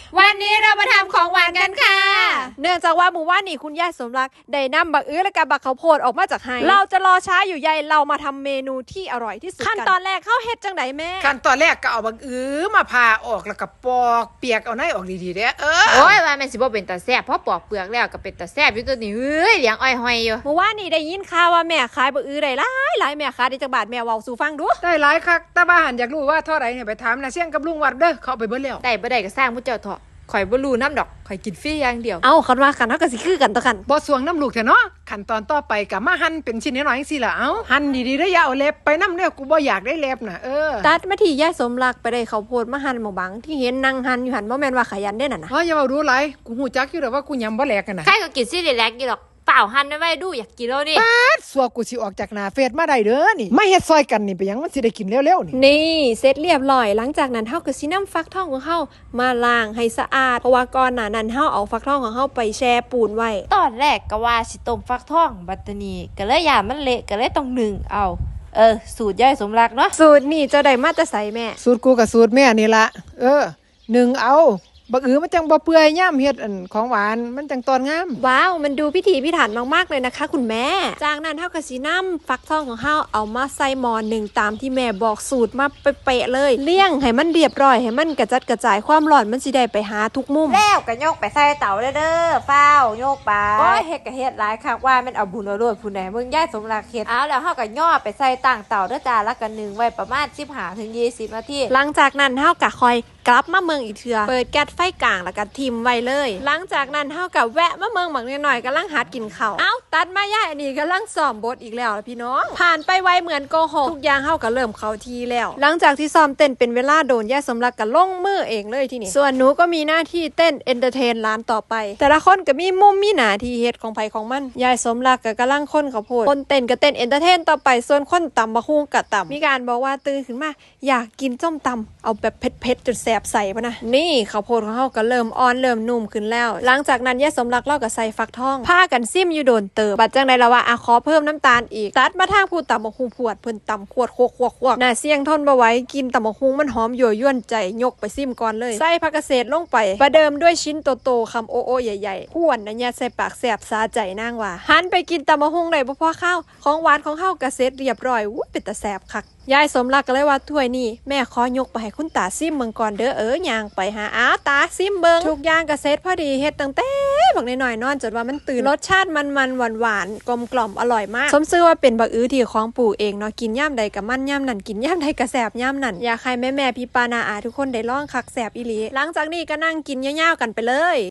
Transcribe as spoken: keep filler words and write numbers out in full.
วันนี้เรามาทำของหวานกันค่ะเนื่องจากว่าหมู่ว่านนี่คุณยายสมรักได้นำบักอื้อและกับบักข้าวโพดออกมาจากไห้เราจะรอช้าอยู่ใยเรามาทำเมนูที่อร่อยที่สุดขั้นตอนแรกเข้าเฮ็ดจังไดแม่ขั้นตอนแรกก็เอาบักอื้อมาผ่าออกแล้วก็ปอกเปียกเอาในออกดีๆเด้อเออโอ้ยว่าแม่นสิบ่เป็นตาแซ่บเพราะปอกเปลือกแล้วก็เป็นตาแซ่บอยู่ตัวนี้เฮ้ยเลี้ยงอ้อยหอยอยู่หมู่ว่านนี่ได้ยินข่าวว่าแม่ขายบักอื้อได้หลายหลายแม่ขายได้จักบาทแม่เว้าสู่ฟังดูได้หลายคักแต่บ้านอยากรู้ว่าเท่าไหร่เนี่ยไปถามนะเสี่ยงกับลุงวัดเด้อเขาไปเบิดแล้วได้บ่ได้ก็สร้างมุเจ้าเถาะข่อยบ่รู้น้ำดอกข่อยกินฟรีอย่างเดียวเอ้าคันว่ากันเฮาก็สิคือกันต่อกันบ่สวงน้ำลูกเถอะเนาะขั้นตอนต่อไปก็มาหั่นเป็นชิ้นน้อยๆจังซี่ล่ะเอ้าหั่นดีๆเด้ออย่าเอาเล็บไปนำเด้อกูบ่อยากได้เล็บน่ะเออตัดมาที่ยายสมรักไปได้ข้าวโพดมาหั่นหมอบังที่เห็นนั่งหั่นอยู่หั่นบ่แม่นว่าขยันเด้นั่นน่ะอ๋ออย่าเว้ารู้หลายกูฮู้จักอยู่แล้วว่ากูยำบ่แหลกกันน่ะใครก็กินซี่แลกอยู่ดอกเปล่าหั่นไว้ดูอยากกินแล้วนี่ปาดสัวกูสิออกจากหน้าเฟซมาได้เด้อนี่มาเฮ็ดซอยกันนี่ไปหยังมันสิได้กินเร็วๆนี่นี่เสร็จเรียบร้อยหลังจากนั้นเฮาก็สินำฟักทองของเฮามาล้างให้สะอาดเพราะว่าก่อนหน้านั้นเฮาเอาฟักทองของเฮาไปแช่ปูนไว้ตอนแรกก็ว่าสิต้มฟักทองบัดนี้ก็เลยย่ามันเละก็เลยต้องนึ่งเอาเออสูตรยายสมรักเนาะสูตรนี่เจ้าได้มาแต่ไสแม่สูตรกูกับสูตรแม่นี่ละเออหนึ่งเอาบักอือมันจังบ่เปื่อยย่ำเฮ็ดอันของหวานมันจังตอนงามว้าวมันดูพิถีพิถันมากๆเลยนะคะคุณแม่จากนั้นเฮาก็สินำฟักทองของเฮาเอามาใส่หม้อหนึ่งตามที่แม่บอกสูตรมาเป๊ะๆเลยเลี้ยงให้มันเรียบร้อยให้มันกระจัดกระจายความร้อนมันสิได้ไปหาทุกมุมแล้วก็โยกไปใส่เตาเด้อเด้อฟ้าวโยกไปโอ้ยเฮ็ดก็เฮ็ดหลายคักว่ามันเอาบุญเอาโลดผู้ใดมึงยายสมรักเฮ็ดเอาแล้วเฮาก็ย่อไปใส่ตั้งเตาเด้อจ้าแล้วก็นึ่งไว้ประมาณสิบห้าถึงยี่สิบนาทีหลังจากนั้นเฮาก็คอยกลับมาเมืองอีกเทื่อเปิดแก๊สไฟกลางแล้วก็ทิมไว้เลยหลังจากนั้นเฮาก็แวะมาเมืองบักน้อยๆกำลังหัดกินข้าวเอ้าตัดมาย่ายอันนี้กำลังซ้อมบทอีกแล้วพี่น้องผ่านไปไวเหมือนโกหกทุกอย่างเฮาก็เริ่มเข้าทีแล้วหลังจากที่ซ้อมเต้นเป็นเวลาโดนย่าสมรักก็ลงมือเองเลยที่นี่ส่วนหนูก็มีหน้าที่เต้นเอนเตอร์เทนร้านต่อไปแต่ละคนก็มีมุมมีหน้าที่เฮ็ดของไผของมันยายสมรักก็กำลังคนข้าวโพดคนเต้นก็เต้นเอนเตอร์เทนต่อไปส่วนคนตำบักหุ่งก็ตำมีการบอกว่าตื่นขึ้นมาอยากกินส้มตำเอาแบบเผ็ดๆจนแสบใส่ป่ะนะนี่ข้าวโพดของเฮาก็เริ่มอ่อนเริ่มนุ่มขึ้นแล้วหลังจากนั้นยายสมรักเล่ากับใส่ฟักทองพากันซิมอยู่โดนเติบบัดจังได๋ล่ะว่าอ่ะขอเพิ่มน้ำตาลอีกตัดมาทางผู้ตำบักหุ่งพวดเพิ่นตำขวดโคกๆๆน่าเสี่ยงทนบ่ไหวกินตำบักหุ่งมันหอมยั่วยวนใจยกไปซิมก่อนเลยใส่ผักกระเฉดลงไปประเดิมด้วยชิ้นโตๆคำโอโอใหญ่ๆพ่วนนะเนี่ยใส่ปากแสบสาใจนางว่าหันไปกินตำบักหุ่งได้บ่พอข้าวของหวานของเฮาก็เสร็จเรียบร้อยอู้เป็นตาแสบคักยายสมรักก็เลยว่าถ้วยนี่แม่ขอยกไปให้คุณตาซิมเบิ่งก่อนเด้อเออย่างไปหาอ้าวตาซิมเบิ่งทุกอย่างก็เสร็จพอดีเฮ็ดตั้งแต่บักน้อยๆนอนจนว่ามันตื่นรสชาติมันๆหวานๆกลมกล่อมอร่อยมากสมชื่อว่าเป็นบักอื้อที่ของปู่เองเนาะกินย่ำใดก็มันย่ำนั่นกินย่ำใดก็แสบย่ำนั่นอยากให้แม่ๆพี่ปานาอาทุกคนได้ลองคักแสบอีหลีหลังจากนี้ก็นั่งกินยาวๆกันไปเลย